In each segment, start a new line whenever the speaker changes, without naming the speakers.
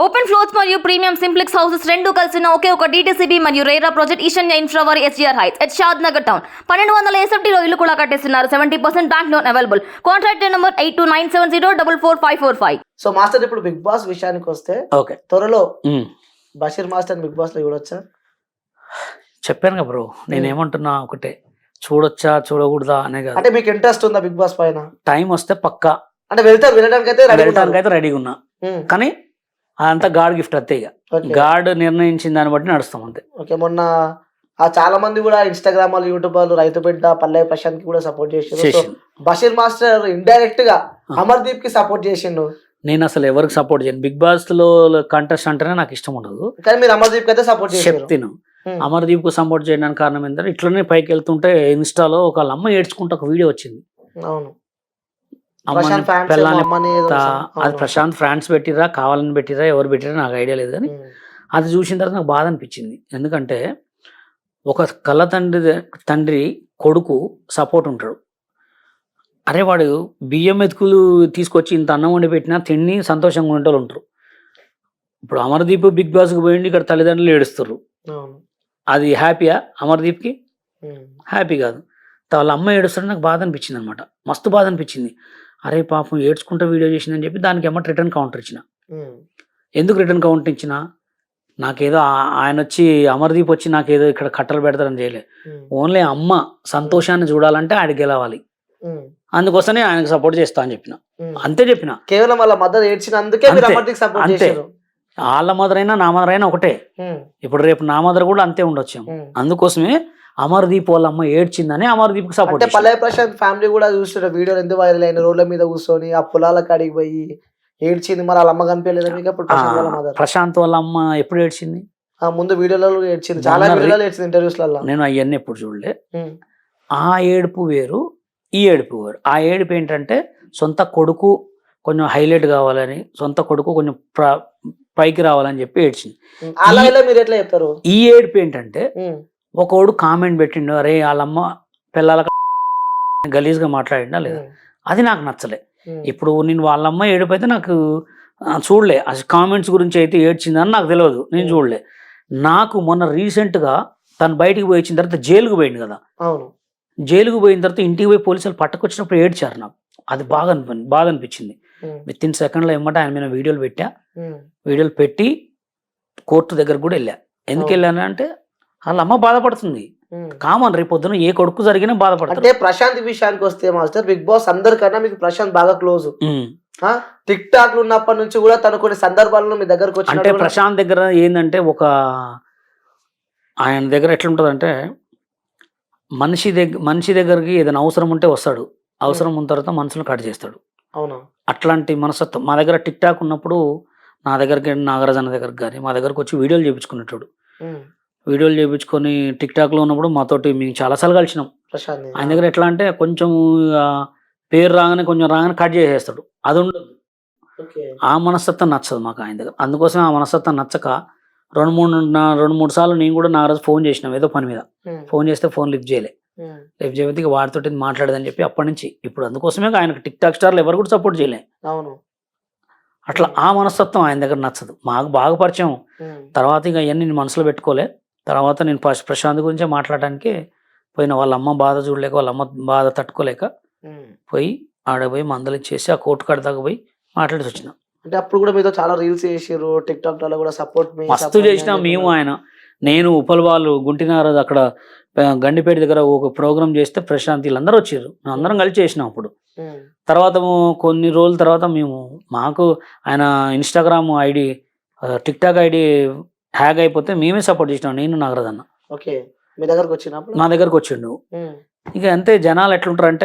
Open floors మరియు premium simplex houses రెండు కలిసిన ఒకే ఒక DTCB మరియు రేరా ప్రాజెక్ట్ ఈశాన్య ఇన్ఫ్రా వారి SGR heights at Shadnagar town 1200 SFTలో ఇల్లు కూడా కట్టేస్తున్నారు. 70% bank loan available. Contract number 8297044545.
So master ఇప్పుడు బిగ్ బాస్ విషయానికి వస్తే
ఓకే
త్వరలో బషీర్ మాస్టర్ బిగ్ బాస్ లో చూడొచ్చా?
చెప్పాను కదా బ్రో, నేనేమంటున్నా ఒకటే, చూడొచ్చా చూడకూడదా అనే కాదు.
అంటే మీకు ఇంట్రెస్ట్ ఉందా బిగ్ బాస్ పైన?
టైం వస్తే పక్కా
అంటే వెళ్ళడానికి
అయితే రెడీగా ఉన్నా, కానీ అదంతా గాడ్ గిఫ్ట్ అంతే. ఇక గాడ్ నిర్ణయించిన దాన్ని బట్టి నడుస్తాం అంతే.
ఓకే, మొన్న చాలా మంది కూడా ఇన్స్టాగ్రామ్ వాళ్ళు, యూట్యూబర్లు, రైతు బిడ్డ, పల్లె ప్రశాంత్ కి కూడా సపోర్ట్ చేసిండు. బషీర్ మాస్టర్ ఇండైరెక్ట్ గా అమర్దీప్ కి సపోర్ట్ చేసిండు.
నేను అసలు ఎవరికి సపోర్ట్ చేయను. బిగ్ బాస్ లో కంటెస్ట్ అంటేనే నాకు ఇష్టం ఉండదు,
కానీ మీరు అమర్దీప్ కి అయితే సపోర్ట్
చెప్తాను. అమర్దీప్ కు సపోర్ట్ చేయడానికి కారణం ఏంటంటే, ఇట్లనే పైకి వెళ్తుంటే ఇన్స్టాలో ఒక అమ్మ ఏడ్చుకుంటే ఒక వీడియో వచ్చింది.
అవును,
అది ప్రశాంత్ ఫ్రాన్స్ పెట్టిరా, కావాలని పెట్టిరా, ఎవరు పెట్టిరా నాకు ఐడియా లేదు, కానీ అది చూసిన తర్వాత నాకు బాధ అనిపించింది. ఎందుకంటే ఒక కళ్ళ తండ్రి కొడుకు సపోర్ట్ ఉంటాడు. అరే వాడు బియ్యం మెతుకులు తీసుకొచ్చి ఇంత అన్నం వండి పెట్టినా తిని సంతోషంగా ఉండేవాళ్ళు ఉంటారు. ఇప్పుడు అమర్దీప్ బిగ్ బాస్కి పోయింది, ఇక్కడ తల్లిదండ్రులు ఏడుస్తారు. అది హ్యాపీయా? అమర్దీప్కి హ్యాపీ కాదు. వాళ్ళ అమ్మ ఏడుస్తారని నాకు బాధ అనిపించింది అనమాట, మస్తు బాధ అనిపించింది. అరే పాపం ఏడ్చుకుంటూ వీడియో చేసిందని చెప్పి దానికి ఏమో రిటర్న్ కౌంటర్ ఇచ్చిన. ఎందుకు రిటర్న్ కౌంటర్ ఇచ్చిన? నాకేదో ఆయన వచ్చి అమర్దీప్ వచ్చి నాకేదో ఇక్కడ కట్టలు పెడతారని చేయలే. ఓన్లీ అమ్మ సంతోషాన్ని చూడాలంటే ఆడికి గెలవాలి, అందుకోసమే ఆయనకు సపోర్ట్ చేస్తా అని చెప్పిన. అంతే చెప్పిన.
కేవలం వాళ్ళ మదర్ ఏడ్చినందుకే
అంతే. వాళ్ళ మదర్ అయినా నా మదర్ అయినా ఒకటే. ఇప్పుడు రేపు నా మదర్ కూడా అంతే ఉండొచ్చు. అందుకోసమే అమర్దీప్ వాళ్ళ అమ్మ ఏడ్చిందని అమర్దీప్ కి సపోర్ట్.
పల్లె ప్రశాంత్ ఫ్యామిలీ కూడా చూస్తున్న వీడియోలు ఎందుకు వైరల్ అయిన, రోడ్ల మీద కూర్చొని ఆ పొలాల కాడికి పోయి ఏడ్చింది. మరి వాళ్ళ అమ్మ కనిపించలేదు మీకు?
ప్రశాంత్ వాళ్ళ అమ్మ ఎప్పుడు ఏడ్చింది?
ముందు వీడియోలలో ఏడ్చింది, చాలా వీడియోలు ఏడ్చింది ఇంటర్వ్యూస్ లలో.
నేను అవన్నీ ఎప్పుడు చూడలే. ఆ ఏడుపు వేరు, ఈ ఏడుపు వేరు. ఆ ఏడుపు ఏంటంటే సొంత కొడుకు కొంచెం హైలైట్ కావాలని, సొంత కొడుకు కొంచెం పైకి రావాలని చెప్పి ఏడ్చింది.
మీరు ఎట్లా చెప్తారు?
ఈ ఏడుపు ఏంటంటే ఒకడు కామెంట్ పెట్టిండు, అరే వాళ్ళమ్మ పిల్లల గలీజ్గా మాట్లాడిండా లేదా, అది నాకు నచ్చలే. ఇప్పుడు నేను వాళ్ళమ్మ ఏడుపు అయితే నాకు చూడలే, అసలు కామెంట్స్ గురించి అయితే ఏడ్చిందని నాకు తెలియదు, నేను చూడలే. నాకు మొన్న రీసెంట్గా తను బయటికి పోయి వచ్చిన తర్వాత జైలుకు పోయింది కదా, జైలుకు పోయిన తర్వాత ఇంటికి పోయి పోలీసులు పట్టుకొచ్చినప్పుడు ఏడ్చారు. నాకు అది బాగా అనిపించింది. విత్ ఇన్ సెకండ్లో ఏమంటే ఆయన మీద వీడియోలు పెట్టి కోర్టు దగ్గర కూడా వెళ్ళా. ఎందుకు వెళ్ళాను అంటే వాళ్ళ అమ్మ బాధపడుతుంది, కామన్. రేపు పొద్దున ఏ కొడుకు జరిగినా బాధపడుతుంది.
అంటే ప్రశాంత్ విషయానికి వస్తే మాస్టర్, బిగ్ బాస్ అందరికన్నా మీకు ప్రశాంత్ బాగా క్లోజ్. టిక్ టాక్ ఉన్నప్పటి నుంచి కూడా తను కొన్ని సందర్భాల్లో మీ దగ్గరకు వచ్చి,
అంటే ప్రశాంత్ దగ్గర ఏంటంటే ఆయన దగ్గర ఎట్లుంటది అంటే, మనిషి దగ్గరికి ఏదైనా అవసరం ఉంటే వస్తాడు, అవసరం ఉన్న తర్వాత మనసును కట్ చేస్తాడు.
అవునా?
అట్లాంటి మనస్తత్వం. మా దగ్గర టిక్ టాక్ ఉన్నప్పుడు నా దగ్గరికి, నాగరాజన్న దగ్గరికి కానీ మా దగ్గరకు వచ్చి వీడియోలు చేయించుకునేటాడు. వీడియోలు చేయించుకొని టిక్ టాక్ లో ఉన్నప్పుడు మాతోటి మేము చాలాసార్లు కలిసినాం. ఆయన దగ్గర ఎట్లా అంటే కొంచెం పేరు రాగానే కట్ చేసేస్తాడు, అది ఉండదు. ఆ మనస్తత్వం నచ్చదు మాకు ఆయన దగ్గర. అందుకోసం ఆ మనస్తత్వం నచ్చక రెండు మూడు సార్లు నేను కూడా నాగరాజు ఫోన్ చేసినాం ఏదో పని మీద. ఫోన్ చేస్తే ఫోన్ లిఫ్ట్ చేయకపోతే వాడితో మాట్లాడదని చెప్పి అప్పటి నుంచి ఇప్పుడు అందుకోసమే ఆయనకు టిక్ టాక్ స్టార్లు ఎవరు కూడా సపోర్ట్ చేయలే. అట్లా ఆ మనస్తత్వం ఆయన దగ్గర నచ్చదు. మాకు బాగా పరిచయం. తర్వాత ఇక అవన్నీ నేను మనసులో పెట్టుకోలే. తర్వాత నేను ప్రశాంత్ గురించే మాట్లాడడానికి పోయిన. వాళ్ళ అమ్మ బాధ చూడలేక, వాళ్ళ అమ్మ బాధ తట్టుకోలేక పోయి ఆడపోయి మందలు ఇచ్చేసి ఆ కోర్టు కాడ దాకా పోయి మాట్లాడి వచ్చిన.
అంటే అప్పుడు కూడా మీతో చాలా రీల్స్ చేసారు, టిక్ టాక్ లో కూడా సపోర్ట్
మస్తు చేసినాం మేము. నేను ఉపల్ వాళ్ళు గుంటినారు అక్కడ గండిపేట దగ్గర ఒక ప్రోగ్రామ్ చేస్తే ప్రశాంత్ వీళ్ళందరూ వచ్చారు, అందరం కలిసి చేసినాం. అప్పుడు తర్వాత కొన్ని రోజుల తర్వాత మాకు ఆయన Instagram ID, TikTok ID hack అయిపోతే మేమే సపోర్ట్ చేసినాం, నేను నాగరాజన్న.
ఓకే, మీ దగ్గరకు వచ్చినప్పుడు
నా దగ్గరకు వచ్చిండు. ఇక అంతే, జనాలు ఎట్లుంటారంటే.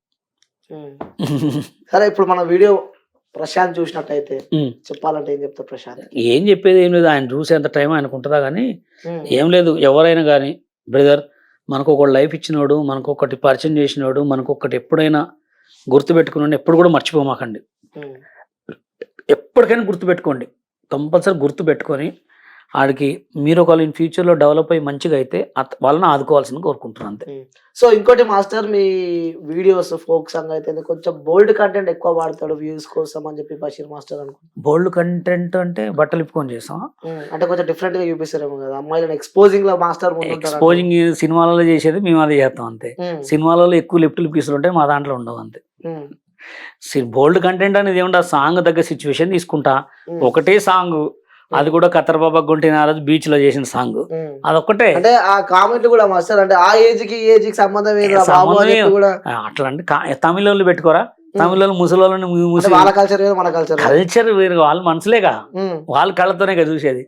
సరే, ఇప్పుడు మన వీడియో ప్రశాంత్ చూసినట్టయితే చెప్పాలంటే ఏం చెప్తారు ప్రశాంత్?
ఏం చెప్పేది ఏం లేదు, ఆయన చూసేంత టైం ఆయనకు ఉంటుందా కానీ ఏం లేదు. ఎవరైనా కానీ బ్రదర్, మనకు ఒకటి లైఫ్ ఇచ్చినోడు, మనకు ఒకటి పరిచయం చేసినోడు, మనకు ఒకటి ఎప్పుడైనా గుర్తుపెట్టుకున్నాడు, ఎప్పుడు కూడా మర్చిపోమాకండి. ఎప్పటికైనా గుర్తుపెట్టుకోండి, కంపల్సరీ గుర్తుపెట్టుకొని ఆడికి మీరు ఒకవేళ ఇన్ ఫ్యూచర్లో డెవలప్ అయ్యి మంచిగా అయితే వాళ్ళని ఆదుకోవాల్సింది కోరుకుంటున్నాను అంతే.
సో ఇంకోటి మాస్టర్, మీ వీడియోస్ ఫోక్ సాంగ్ అయితే కొంచెం బోల్డ్ కంటెంట్ ఎక్కువ వాడతాడు వ్యూస్ కోసం అని చెప్పి బషీర్ మాస్టర్ అనుకుంటున్నాను.
బోల్డ్ కంటెంట్ అంటే బట్టలు ఇప్పుకొని చేస్తాం.
అంటే కొంచెం డిఫరెంట్ గా చూపిస్తారేమో కదా అమ్మాయిలను ఎక్స్పోజింగ్ లో మాస్టర్ ముందు ఉంటారు.
ఎక్స్పోజింగ్ సినిమాలలో చేసేది మేము అది చేస్తాం అంతే. సినిమాలలో ఎక్కువ లిప్టులు పీసులు ఉంటాయి, మా దాంట్లో ఉండవు అంతే. బోల్డ్ కంటెంట్ అనేది ఏముంటే సాంగ్ తగ్గ సిచ్యువేషన్ తీసుకుంటా. ఒకటే సాంగ్, అది కూడా ఖతర్ బాబా గుంటినారాజు బీచ్ లో చేసిన సాంగ్, అదొక్కటే.
అంటే ఆ కామెంట్లు కూడా మాస్టర్ అంటే ఆ ఏజ్ కి ఏజ్ కి సంబంధం ఏది బాబు అని చెప్పి కూడా
అట్లా అంటే తమిళ వాళ్ళు పెట్టుకోరా, తమిళ వాళ్ళు ముసలి
వాళ్ళ కల్చర్ వేరు, మన కల్చర్
వేరు, వాళ్ళ మనసులేగా, వాళ్ళ కళ్ళతోనే కదా చూసేది.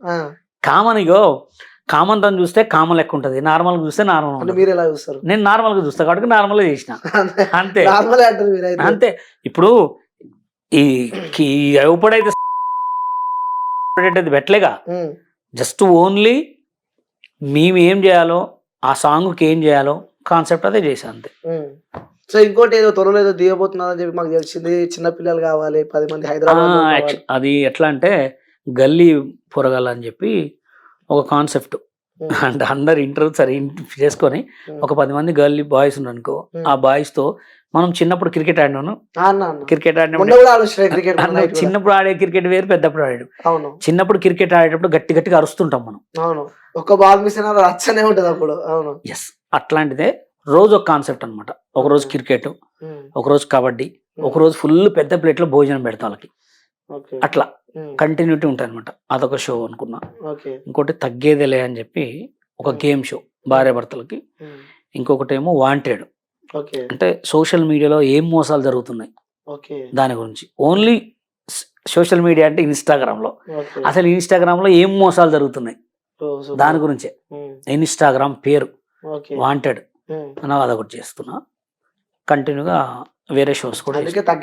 కామన్ తను చూస్తే కామన్ లెక్క ఉంటది, నార్మల్ చూస్తే నార్మల్ ఉంటుంది.
మీరు ఎలా చూస్తారు?
నేను నార్మల్ గా చూస్తా కాబట్టి నార్మల్ గా చేసిన అంతే.
నార్మల్ అంటారు మీరు
అంతే. ఇప్పుడు ఈ ఎప్పుడైతే పెట్టలేగా, జస్ట్ ఓన్లీ మేము ఏం చేయాలో, ఆ సాంగ్కి ఏం చేయాలో కాన్సెప్ట్ అదే చేశాను అంతే.
సో ఇంకోటి ఏదో త్వరలో ఏదో దిగబోతున్నారని చెప్పి మాకు తెలిసింది, చిన్న పిల్లలు కావాలి 10 మంది హైదరాబాద్.
అది ఎట్లా అంటే గల్లీ పొరగాలని చెప్పి ఒక కాన్సెప్ట్. అంటే అందరు ఇంటర్వ్యూ సరే చేసుకొని ఒక 10 మంది గల్లీ బాయ్స్ ఉన్నారు అనుకో, ఆ బాయ్స్ తో మనం చిన్నప్పుడు క్రికెట్ ఆడినాను. క్రికెట్ ఆడినప్పుడు చిన్నప్పుడు ఆడే క్రికెట్ వేరు, పెద్దప్పుడు ఆడాడు. చిన్నప్పుడు క్రికెట్ ఆడేటప్పుడు గట్టి గట్టిగా అరుస్తుంటాం మనం.
ఒక బాల్ మిస్ అయినా రచ్చనే ఉంటది అప్పుడు.
ఎస్, అట్లాంటిదే రోజు ఒక కాన్సెప్ట్ అనమాట. ఒక రోజు క్రికెట్, ఒక రోజు కబడ్డీ, ఒక రోజు ఫుల్ పెద్ద ప్లేట్ లో భోజనం పెడతా వాళ్ళకి. అట్లా కంటిన్యూటీ ఉంటాయి అనమాట. అదొక షో అనుకున్నా. ఇంకోటి తగ్గేదేలే అని చెప్పి ఒక గేమ్ షో భార్య భర్తలకి. ఇంకొకటి ఏమో వాంటెడ్, అంటే సోషల్ మీడియాలో ఏం మోసాలు జరుగుతున్నాయి దాని గురించి. ఓన్లీ సోషల్ మీడియా అంటే ఇన్స్టాగ్రామ్ లో, అసలు ఇన్స్టాగ్రామ్ లో ఏం మోసాలు జరుగుతున్నాయి దాని గురించే. ఇన్స్టాగ్రామ్ పేరు వాంటెడ్ అని అదొకటి చేస్తున్నా. కంటిన్యూగా వేరే షోస్ కూడా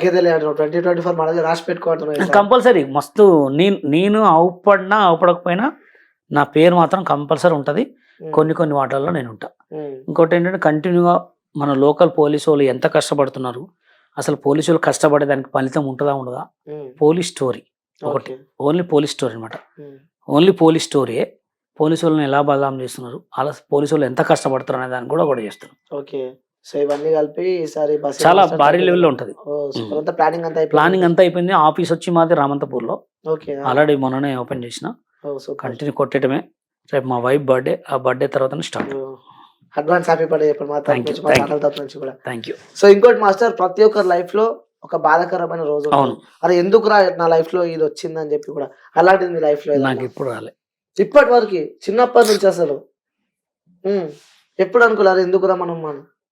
కంపల్సరీ మస్తు. నేను అవపడినా అవపడకపోయినా నా పేరు మాత్రం కంపల్సరీ ఉంటది. కొన్ని వాటిల్లో నేను ఉంటా. ఇంకోటి ఏంటంటే కంటిన్యూగా మన లోకల్ పోలీసు వాళ్ళు ఎంత కష్టపడుతున్నారు, అసలు పోలీసు వాళ్ళు కష్టపడేదానికి ఫలితం ఉంటుందా ఉండదా, పోలీస్ స్టోరీ ఒకటి. ఓన్లీ పోలీస్ స్టోరీ అనమాట. ఓన్లీ పోలీస్ స్టోరీయే. పోలీసు వాళ్ళని ఎలా బదనాం చేస్తున్నారు, అలా పోలీసు వాళ్ళు ఎంత కష్టపడుతారు అనే దాన్ని కూడా చేస్తున్నారు.
సో ఇవన్నీ కలిపి ఈసారి
చాలా భారీ లెవెల్లో ఉంటది.
ప్లానింగ్
అంతా అయిపోయింది. ఆఫీస్ వచ్చి మాది రామంతపూర్ లో, ఆల్రెడీ మొన్ననే ఓపెన్ చేసిన. కంటిన్యూ కొట్టడమే. రేపు మా వైఫ్ బర్త్డే, ఆ బర్త్డే తర్వాత స్టార్ట్.
అడ్వాన్స్ హ్యాపీ బర్త్డే చెప్పండి కూడా.
Thank you.
సో ఇంకోటి మాస్టర్, ప్రతి ఒక్కరి లైఫ్ లో ఒక బాధాకరమైన రోజు. అరే ఎందుకు నా లైఫ్ లో ఇది వచ్చిందని చెప్పి కూడా, అలాంటిది మీ లైఫ్ లో
నాకు ఇప్పుడు రాలే.
ఇప్పటి వరకు చిన్నప్పటి నుంచి అసలు ఎప్పుడు అనుకోలేరు ఎందుకు రా మనం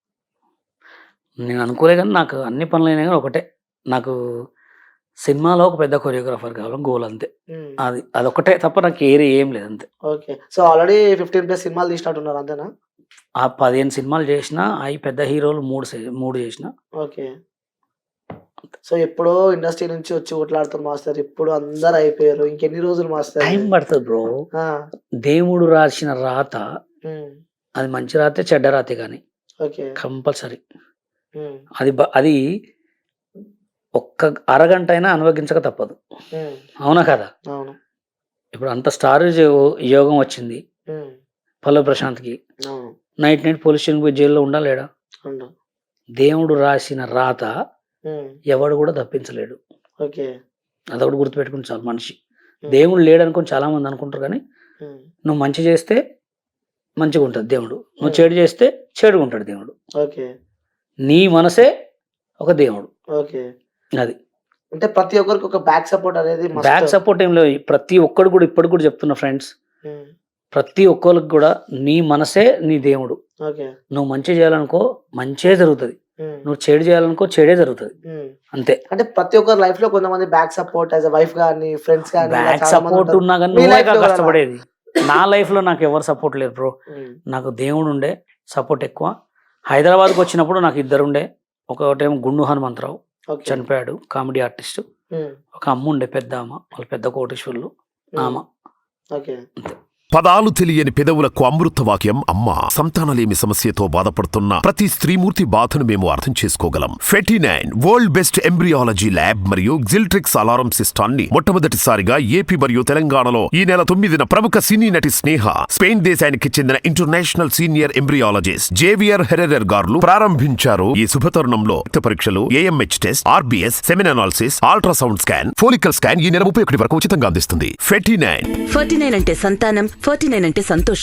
నేను అనుకోలే, కానీ నాకు అన్ని పనులు అయినా కానీ ఒకటే, నాకు సినిమాలో ఒక పెద్ద కొరియోగ్రాఫర్ కావాలని గోల్ అంతే. అదొకటే తప్ప నాకు ఏం లేదు అంతే.
ఓకే. సో ఆల్రెడీ 15+ సినిమాలు తీసినట్టున్నారు అంతేనా?
ఆ 15 సినిమాలు చేసిన, అవి పెద్ద హీరోలు 3 చేసిన.
ఓకే. సో ఎప్పుడో ఇండస్ట్రీ నుంచి వచ్చి కొట్లాడుతారు మాస్టర్, ఇప్పుడు అందరు అయిపోయారు. ఇంకెన్ని రోజులు మాస్టర్?
టైం పడుతుంది బ్రో. దేవుడు రాసిన రాత, అది మంచి రాతే చెడ్డ రాతే కానీ కంపల్సరీ అది ఒక్క అరగంట అయినా అనుభవించక తప్పదు. అవునా కదా? ఇప్పుడు అంత స్టార్ యోగం వచ్చింది పల్లవి ప్రశాంత్కి. నైట్ పోలీస్ స్టేషన్ పోయి జైల్లో ఉండాలేడా? దేవుడు రాసిన రాత ఎవడు కూడా తప్పించలేడు. అదొకటి గుర్తుపెట్టుకుని చాలు. మనిషి దేవుడు లేడు అనుకుని చాలా మంది అనుకుంటారు, కానీ నువ్వు మంచి చేస్తే మంచిగా ఉంటుంది దేవుడు, నువ్వు చెడు చేస్తే చెడుగా ఉంటాడు దేవుడు. నీ మనసే ఒక దేవుడు. అది
అంటే ప్రతి ఒక్కరికి ఒక బ్యాక్ సపోర్ట్ అనేది.
బ్యాక్ సపోర్ట్ ఏం లేదు. ప్రతి ఒక్కడు కూడా ఇప్పటికి కూడా చెప్తున్నా ఫ్రెండ్స్, ప్రతి ఒక్కరికి కూడా నీ మనసే నీ దేవుడు. నువ్వు మంచి చేయాలనుకో మంచే జరుగుతుంది, నువ్వు చెడు చేయాలనుకో చెడే జరుగుతుంది అంతే.
అంటే ప్రతి ఒక్కరి లైఫ్ లో కొంతమంది బ్యాక్ సపోర్ట్, యాజ్ వైఫ్ గానీ ఫ్రెండ్స్ గానీ
బ్యాక్ సపోర్ట్ ఉన్నా కానీ నువ్వే కష్టపడేది. నా లైఫ్ లో నాకు ఎవరు సపోర్ట్ లేరు బ్రో. నాకు దేవుడు ఉండే సపోర్ట్ ఎక్కువ. హైదరాబాద్కి వచ్చినప్పుడు నాకు 2 ఉండే. ఒకటేమో గుండు హనుమంతరావు చనిపోయాడు, కామెడీ ఆర్టిస్ట్. ఒక అమ్మ ఉండే, పెద్ద అమ్మ, వాళ్ళ పెద్ద కోటేశ్వర్లు ఆమె.
పదాలు తెలియని పెదవులకు అమృత వాక్యం అమ్మ. సంతానలేమి సమస్యతో బాధపడుతున్న ప్రతి స్త్రీమూర్తి బాధను మేము అర్థం చేసుకోగలం. ఫెటినైన్ వరల్డ్ బెస్ట్ ఎంబ్రియాలజీ ల్యాబ్ మరియు జిల్ట్రిక్స్ అలారం సిస్టాన్ని మొట్టమొదటిసారిగా ఏపీ మరియు తెలంగాణలో ఈ నెల 9న ప్రముఖ సినీ నటి స్నేహ, స్పెయిన్ దేశానికి చెందిన international senior embryologist Javier Herrera గారు ప్రారంభించారు. ఈ శుభతరుణంలో రక్త పరీక్షలు, AMH test, RBS, semen analysis, ultrasound scan, follicle scan ఈ నెల 31 వరకు ఉచితంగా అందిస్తుంది. 49
49 అంటే సంతానం, 49 అంటే సంతోషం.